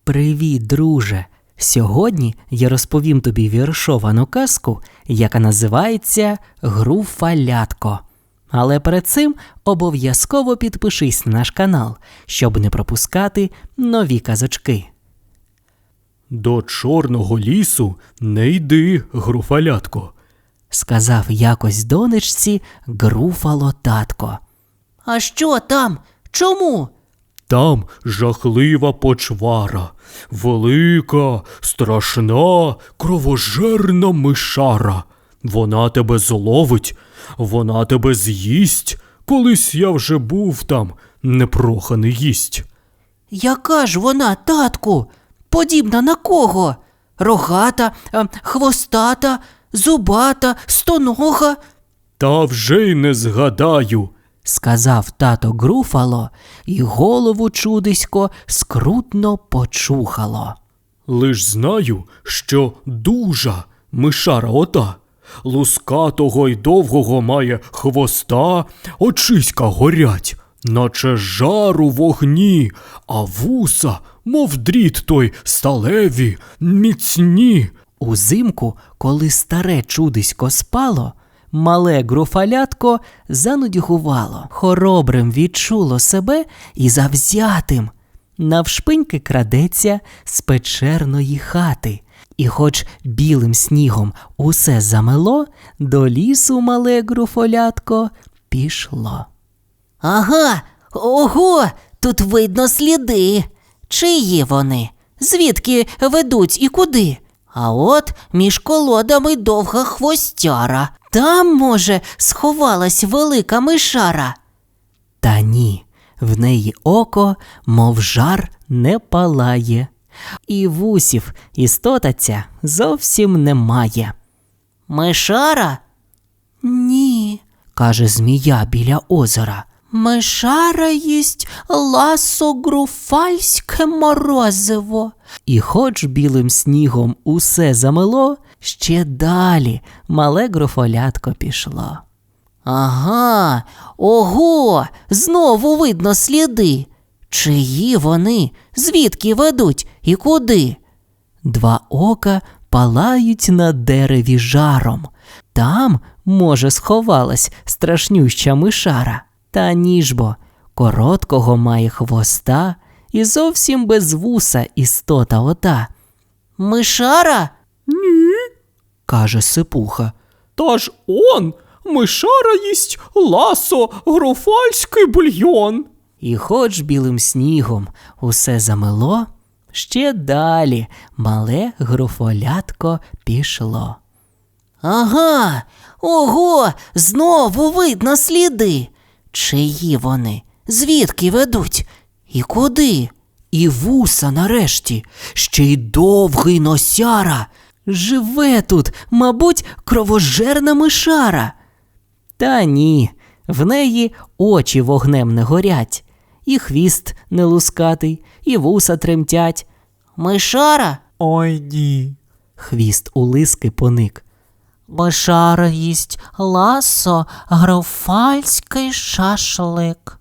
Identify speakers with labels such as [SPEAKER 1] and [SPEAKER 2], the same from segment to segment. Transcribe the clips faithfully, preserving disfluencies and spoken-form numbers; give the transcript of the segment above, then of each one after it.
[SPEAKER 1] Привіт, друже! Сьогодні я розповім тобі віршовану казку, яка називається «Груфалятко». Але перед цим обов'язково підпишись на наш канал, щоб не пропускати нові казочки.
[SPEAKER 2] «До чорного лісу не йди, Груфалятко»,
[SPEAKER 1] – сказав якось донечці Груфало татко.
[SPEAKER 3] «А що там? Чому?»
[SPEAKER 2] «Там жахлива почвара, велика, страшна, кровожерна мишара. Вона тебе зловить, вона тебе з'їсть. Колись я вже був там, непроханий їсть».
[SPEAKER 3] «Яка ж вона, татку? Подібна на кого? Рогата, хвостата, зубата, стонога?»
[SPEAKER 2] «Та вже й не згадаю»,
[SPEAKER 1] – сказав тато Груфало, і голову чудисько скрутно почухало.
[SPEAKER 2] «Лиш знаю, що дужа мишара ота, лускатого й довгого має хвоста, очиська горять, наче жар у вогні, а вуса, мов дріт той сталеві, міцні».
[SPEAKER 1] Узимку, коли старе чудисько спало, мале Груфалятко занудьгувало, хоробрим відчуло себе і завзятим. Навшпиньки крадеться з печерної хати, і хоч білим снігом усе замело, до лісу мале Груфалятко пішло.
[SPEAKER 3] «Ага, ого, тут видно сліди. Чиї вони? Звідки ведуть і куди? А от між колодами довга хвостяра. Там, може, сховалась велика мишара?»
[SPEAKER 1] Та ні, в неї око, мов жар, не палає, і вусів істота ця зовсім немає.
[SPEAKER 3] «Мишара?»
[SPEAKER 1] «Ні», – каже змія біля озера.
[SPEAKER 3] «Мишара їсть ласо-груфальське морозиво».
[SPEAKER 1] І хоч білим снігом усе замело, ще далі мале Груфалятко пішло.
[SPEAKER 3] «Ага, ого, знову видно сліди. Чиї вони? Звідки ведуть і куди?»
[SPEAKER 1] Два ока палають на дереві жаром. Там, може, сховалась страшнюща мишара. Та ніж бо, короткого має хвоста і зовсім без вуса істота ота.
[SPEAKER 3] «Мишара?»
[SPEAKER 2] «Ні»,
[SPEAKER 1] – каже Сипуха.
[SPEAKER 2] «Та ж он, мишара їсть ласо-груфальський бульйон».
[SPEAKER 1] І хоч білим снігом усе замело, ще далі мале Груфалятко пішло.
[SPEAKER 3] «Ага, ого, знову видно сліди. Чиї вони? Звідки ведуть? І куди?»
[SPEAKER 1] І вуса нарешті, ще й довгий носяра. Живе тут, мабуть, кровожерна мишара. Та ні, в неї очі вогнем не горять, і хвіст не лускатий, і вуса тремтять.
[SPEAKER 3] «Мишара?»
[SPEAKER 2] «Ой, ні»,
[SPEAKER 1] хвіст у лиски поник.
[SPEAKER 3] «Мишара їсть ласо-груфальський шашлик».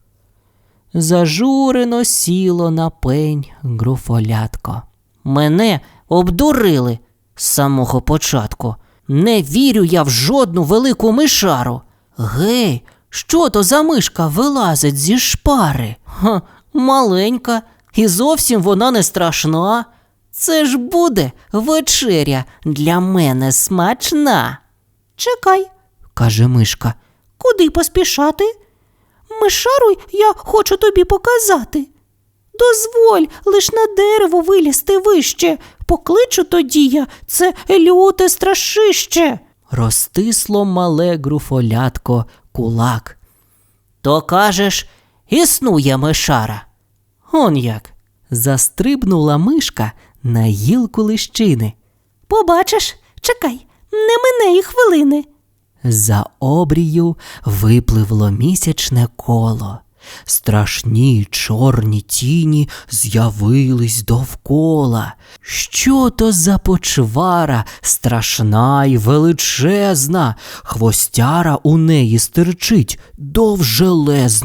[SPEAKER 1] Зажурено сіло на пень Груфалятко.
[SPEAKER 3] «Мене обдурили з самого початку. Не вірю я в жодну велику мишару. Гей, що то за мишка вилазить зі шпари? Ха, маленька, і зовсім вона не страшна. Це ж буде вечеря для мене смачна».
[SPEAKER 4] «Чекай»,
[SPEAKER 1] – каже мишка.
[SPEAKER 4] «Куди поспішати? Мишару я хочу тобі показати. Дозволь лиш на дерево вилізти вище. Покличу тоді я це люте страшище».
[SPEAKER 1] Розтисло мале Груфалятко кулак.
[SPEAKER 3] «То кажеш, існує мишара?»
[SPEAKER 1] Он як. Застрибнула мишка на гілку лищини.
[SPEAKER 4] «Побачиш, чекай, не мине і хвилини».
[SPEAKER 1] За обрію випливло місячне коло. Страшні чорні тіні з'явились довкола. Що то за почвара, страшна й величезна, хвостяра у неї стирчить довжелезна.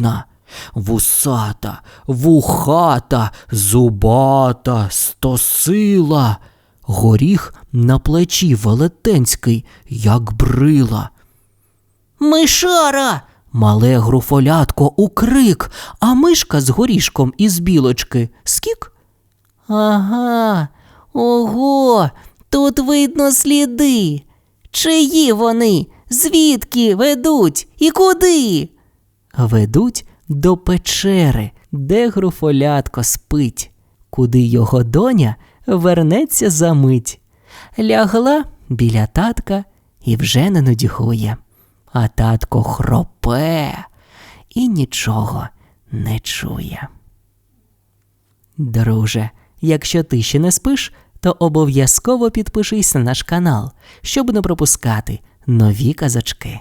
[SPEAKER 1] Вусата, вухата, зубата, стосила. Горіх на плечі велетенський, як брила.
[SPEAKER 3] Мишара!
[SPEAKER 1] Мале груфолятко укрик, а мишка з горішком із білочки скік.
[SPEAKER 3] Ага, ого, тут видно сліди. Чиї вони? Звідки ведуть і куди?
[SPEAKER 1] Ведуть до печери, де груфолятко спить, куди його доня вернеться за мить. Лягла біля татка і вже не нудьгує, а татко хропе і нічого не чує. Друже, якщо ти ще не спиш, то обов'язково підпишись на наш канал, щоб не пропускати нові казочки.